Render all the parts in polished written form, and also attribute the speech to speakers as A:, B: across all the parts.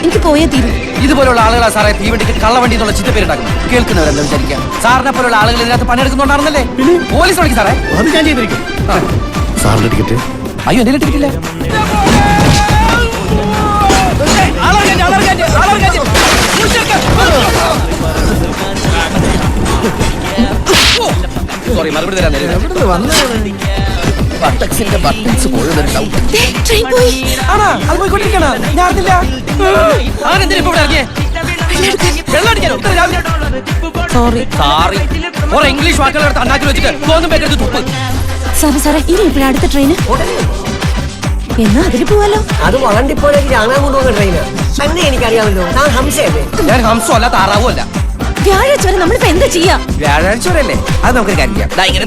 A: എനിക്ക് പോയേ തീരും.
B: ഇതുപോലുള്ള ആളുകളാ സാറേ തീവണ്ടിക്ക് കള്ളവണ്ടി എന്നുള്ള ചിത്തപ്പേരുണ്ടാക്കുന്നത്. കേൾക്കുന്നവരെന്താ വിചാരിക്കുക? സാറിനെ പോലുള്ള ആളുകൾ ഇതിനകത്ത് പണിയെടുക്കുന്നുണ്ടായിരുന്നല്ലേ? പോലീസ് വിളിക്കും സാറേ.
C: അത് ഞാൻ ചെയ്തിരിക്കും. സാറിന്റെ ടിക്കറ്റ്?
B: അയ്യോ എന്റെ ടിക്കറ്റ് ഇല്ല. സോറി, മറുപടി തരാൻ ബട്ടൺസ് പോയതുണ്ടാവും. ഇംഗ്ലീഷ് വാക്കുകളെടുത്ത് അണ്ണാക്കി വെച്ചിട്ട് തോന്നും പേരെടുത്ത് തുപ്പ്.
A: സാറേ ഇനി ഇപ്പോഴാണ് അടുത്ത ട്രെയിന്. എന്നാ അതിന് പോവാലോ.
D: അത് വളണ്ടിപ്പോഴേക്ക് കാണാൻ കൊണ്ടുപോകുന്ന ട്രെയിനാ. തന്നെ എനിക്കറിയാമല്ലോ, ഞാൻ ഹംസയല്ലേ.
B: ഞാൻ ഹംസോ അല്ല താറാവോ അല്ല.
A: വ്യാഴാഴ്ച വരെ നമ്മളിപ്പോ എന്താ ചെയ്യാ?
B: വ്യാഴാഴ്ച വരെ അല്ലേ? അത് നമുക്ക് കാര്യം ചെയ്യാം. ഇങ്ങനെ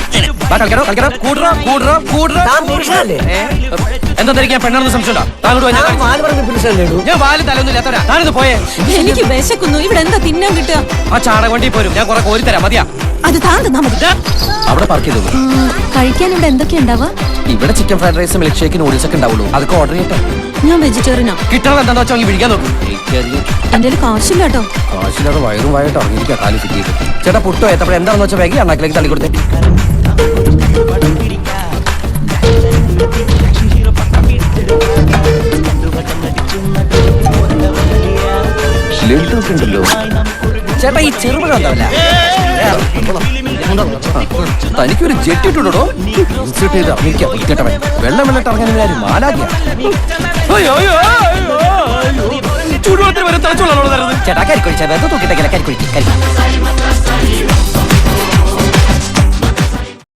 B: എന്താ പെണ്ണാണെന്ന് സംശയമുണ്ടോ? ഞാൻ വാല് തലൊന്നും ഇല്ലാത്തവരാ. താനിത് പോയേ.
A: എനിക്ക് വിശക്കുന്നു. ഇവിടെ എന്താ തിന്നാൻ കിട്ടുക?
B: ആ ചാണകവണ്ടി പോരും. ഞാൻ കുറെ കോരി തരാം. മതിയാ?
A: അത് താൻ തന്നാ മതി.
B: അവിടെ പാർക്ക് ചെയ്തോളൂ.
A: കഴിക്കാൻ ഇവിടെ എന്തൊക്കെയാ ഉണ്ടാവുക?
B: ഇവിടെ chicken fried rice, milkshake, noodles ഒക്കെ ഉണ്ടാവുള്ളൂ. അതൊക്കെ ഓർഡർ ചെയ്യട്ടെ.
A: ഞാൻ വെജിറ്റേറിയനാ.
B: കിട്ടണത് എന്താണെന്ന് വെച്ചാൽ വിളിക്കാൻ നോക്കും.
A: എന്റെ കാശില്ല കേട്ടോ.
B: കാശില്ലാതെ വയറും വായിട്ട് ഇറങ്ങിയിരിക്കാം. കാലി ഫിറ്റ് ചെയ്ത് ചേട്ടാ പുട്ടോ ഏത്തപ്പഴം എന്താണെന്ന് വെച്ചാൽ വേഗം അണ്ണാക്കിലേക്ക് തള്ളി കൊടുത്തേ. ഉണ്ടല്ലോ ചേട്ടാ, ഈ ചെറുപഴം ഉണ്ടാവില്ല. തനിക്കൊരു ജെറ്റ് ഇട്ടുണ്ടോ? ഇറങ്ങിയിരിക്കാം. വെള്ളം വെള്ളിട്ട് ഇറങ്ങാൻ മാലാകിയ ചൂടുവെള്ളത്തിൽ വരെ തലച്ചോളാണോ തരുന്നത്? ചേട്ടാ കരിക്കൊഴിച്ചാൽ വെറുതെ തൂക്കിട്ടെങ്കിൽ കരിക്കൊഴിക്കും.